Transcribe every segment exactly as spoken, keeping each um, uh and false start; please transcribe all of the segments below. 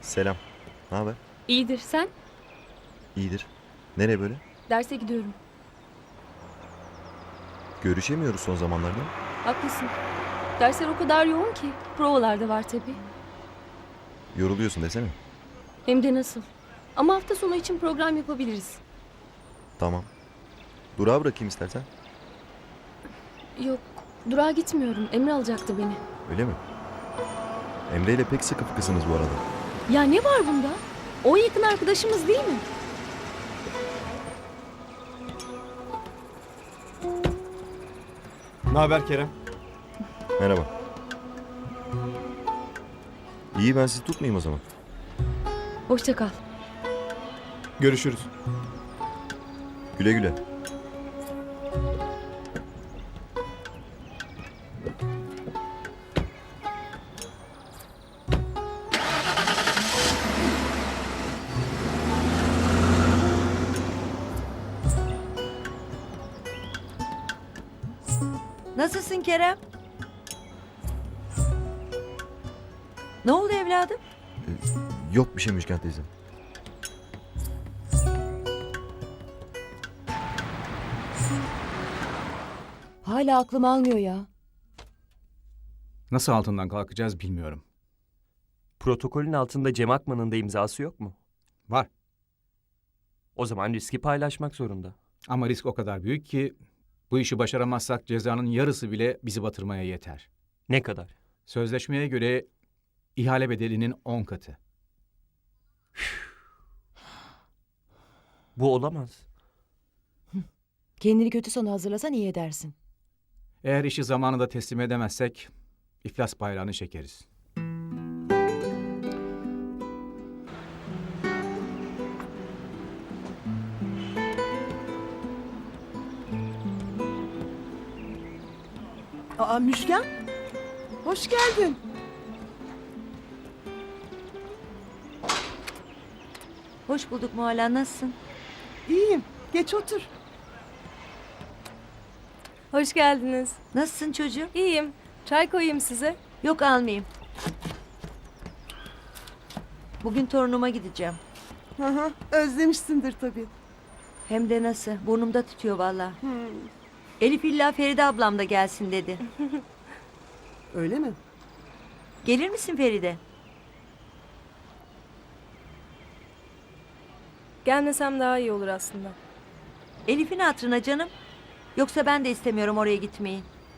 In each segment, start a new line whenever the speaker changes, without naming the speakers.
Selam. Ne haber?
İyidir, sen?
İyidir. Nereye böyle?
Derse gidiyorum.
Görüşemiyoruz son zamanlarda.
Haklısın. Dersler o kadar yoğun ki. Provalar da var tabii.
Yoruluyorsun desene.
Hem de nasıl. Ama hafta sonu için program yapabiliriz.
Tamam. Durağa bırakayım istersen.
Yok, durağa gitmiyorum. Emre alacaktı beni.
Öyle mi? Emre ile pek sıkı fıkısınız bu arada.
Ya ne var bunda? O yakın arkadaşımız değil mi?
Ne haber Kerem?
Merhaba. İyi, ben sizi tutmayayım o zaman.
Hoşça kal.
Görüşürüz.
Güle güle.
Nasılsın Kerem? Ne oldu evladım?
Yok bir şey Müşken teyze.
Hala aklım almıyor ya.
Nasıl altından kalkacağız bilmiyorum.
Protokolün altında Cem Akman'ın da imzası yok mu?
Var
O zaman riski paylaşmak zorunda.
ama risk o kadar büyük ki bu işi başaramazsak cezanın yarısı bile bizi batırmaya yeter.
Ne kadar?
Sözleşmeye göre ihale bedelinin on katı.
Bu olamaz.
Kendini kötü sona hazırlasan iyi edersin.
Eğer işi zamanında teslim edemezsek iflas bayrağını çekeriz.
Aa Müşken, hoş geldin.
Hoş bulduk Mualla, nasılsın?
İyiyim, geç otur.
Hoş geldiniz.
Nasılsın çocuğum?
İyiyim. Çay koyayım size.
Yok almayayım. Bugün torunuma gideceğim.
Hı hı, özlemişsindir tabii.
Hem de nasıl? Burnumda tutuyor vallahi. Elif illa Feride ablam da gelsin dedi.
Öyle mi?
Gelir misin Feride?
Gelmesem daha iyi olur aslında.
Elif'in hatırına canım. Yoksa ben de istemiyorum oraya gitmeyi.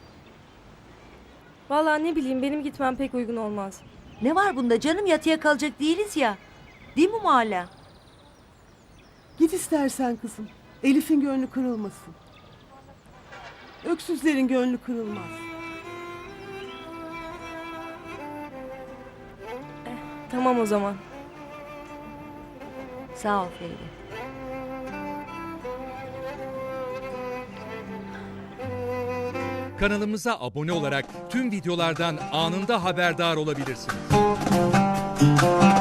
Vallahi ne bileyim, benim gitmem pek uygun olmaz.
Ne var bunda canım, yatıya kalacak değiliz ya. Değil mi Mualla?
Git istersen kızım. Elif'in gönlü kırılmasın. Öksüzlerin gönlü kırılmaz.
Tamam o zaman.
Sağ ol Feride.
Kanalımıza abone olarak tüm videolardan anında haberdar olabilirsiniz.